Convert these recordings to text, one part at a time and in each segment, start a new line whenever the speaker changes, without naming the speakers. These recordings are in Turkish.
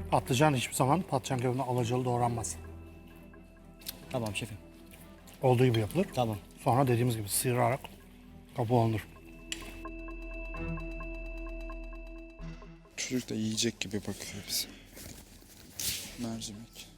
Patlıcan hiçbir zaman patlıcan kebabına alacalı doğranmaz.
Tamam şefim.
Olduğu gibi yapılır.
Tamam.
Sonra dediğimiz gibi sıyırarak kabuğu alınır.
Çocuk da yiyecek gibi bakıyor bize. Mercimek.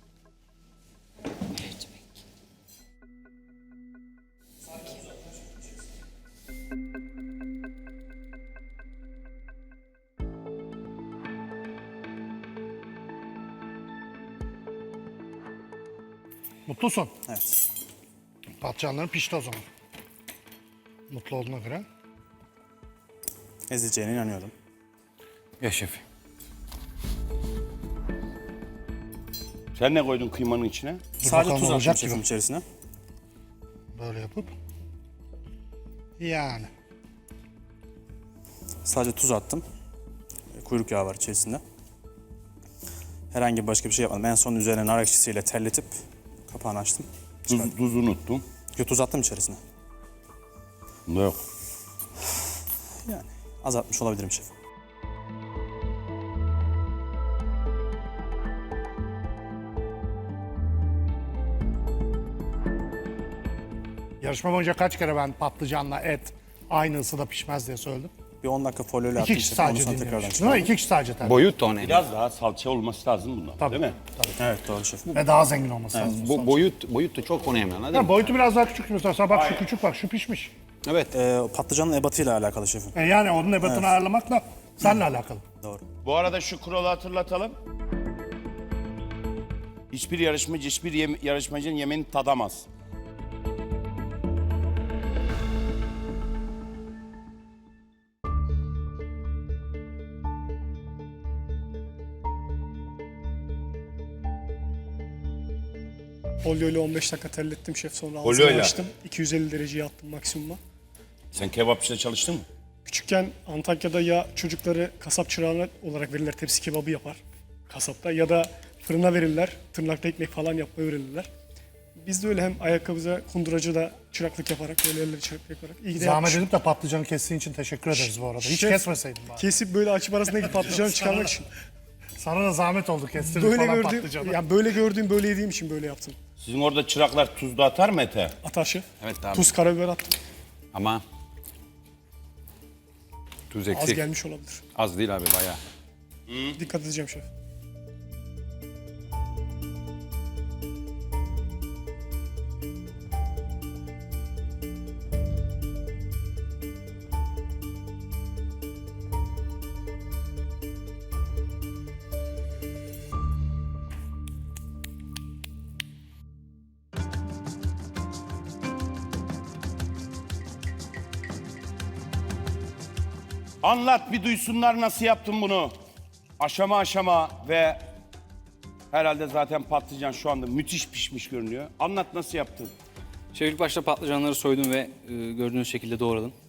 Mutlusun.
Evet.
Patlıcanların pişti o zaman. Mutlu olduğuna göre.
Ezeceğine inanıyorum.
Ya şefim. Sen ne koydun kıymanın içine?
Sadece
bakalım
tuz attım
olacak
şefim
gibi.
içerisine.
Böyle yapıp. Yani.
Sadece tuz attım. Kuyruk yağı var içerisinde. Herhangi başka bir şey yapmadım. En son üzerine nar ekşisiyle terletip kapağını açtım.
Tuz unuttum.
Tuz attım içerisine.
Bunda yok.
Yani azaltmış olabilirim şefim.
Yarışma boyunca kaç kere ben patlıcanla et aynı ısıda pişmez diye söyledim.
Bir 10 dakika folyoyla
İki
attım
kişi
şefim. Ondan
sadece
sonra tekrardan
dinlemiş. Değil mi?
çıkardım.
İki kişi sadece tabii.
Boyut da önemli. Biraz daha salça olması lazım bundan.
Tabii.
Değil mi?
Evet doğru şefim.
Ve daha zengin olması lazım.
Bu boyut da çok önemli anladın
Ha,
mı?
boyutu biraz daha küçük mesela. Bak şu küçük bak şu pişmiş.
Evet.
Patlıcanın ebatıyla alakalı şefim.
Yani onun ebatını ayarlamakla seninle alakalı.
Doğru.
Bu arada şu kuralı hatırlatalım. Hiçbir yarışmacı, yarışmacının yemeğini tadamaz.
Folyoyla 15 dakika terlettim şef, sonra
Folyoyla?
ağzını açtım. 250 dereceye attım maksimuma.
Sen kebapçıda çalıştın mı?
Küçükken Antakya'da ya çocukları kasap çırağına olarak verirler, tepsi kebabı yapar kasapta, ya da fırına verirler, tırnakta ekmek falan yapmayı öğrenirler. Biz de öyle hem ayakkabıza kunduracıda çıraklık yaparak, böyle elleri çıraklık yaparak. İyi ki de
Zahmet
yapmışım.
edip de patlıcanı kestiğin için teşekkür ederiz bu arada. Hiç
Şef,
kesmeseydin bari.
Kesip böyle açıp arasındaki patlıcanı çıkarmak için.
Sana da zahmet oldu kestirdik
Böyle
falan
gördüğüm,
patlıcanı.
yani böyle gördüğüm, böyle yediğim için böyle yaptım.
Sizin orada çıraklar tuzlu atar mı ete?
Atar şef.
Evet abi.
Tuz, karabiber attım.
Ama tuz
Az
eksik.
gelmiş olabilir.
Az değil abi bayağı.
Dikkat edeceğim şef.
Anlat bir duysunlar nasıl yaptın bunu. Aşama aşama ve herhalde zaten patlıcan şu anda müthiş pişmiş görünüyor. Anlat nasıl yaptın?
Şef ilk başta patlıcanları soydum ve gördüğünüz şekilde doğradım.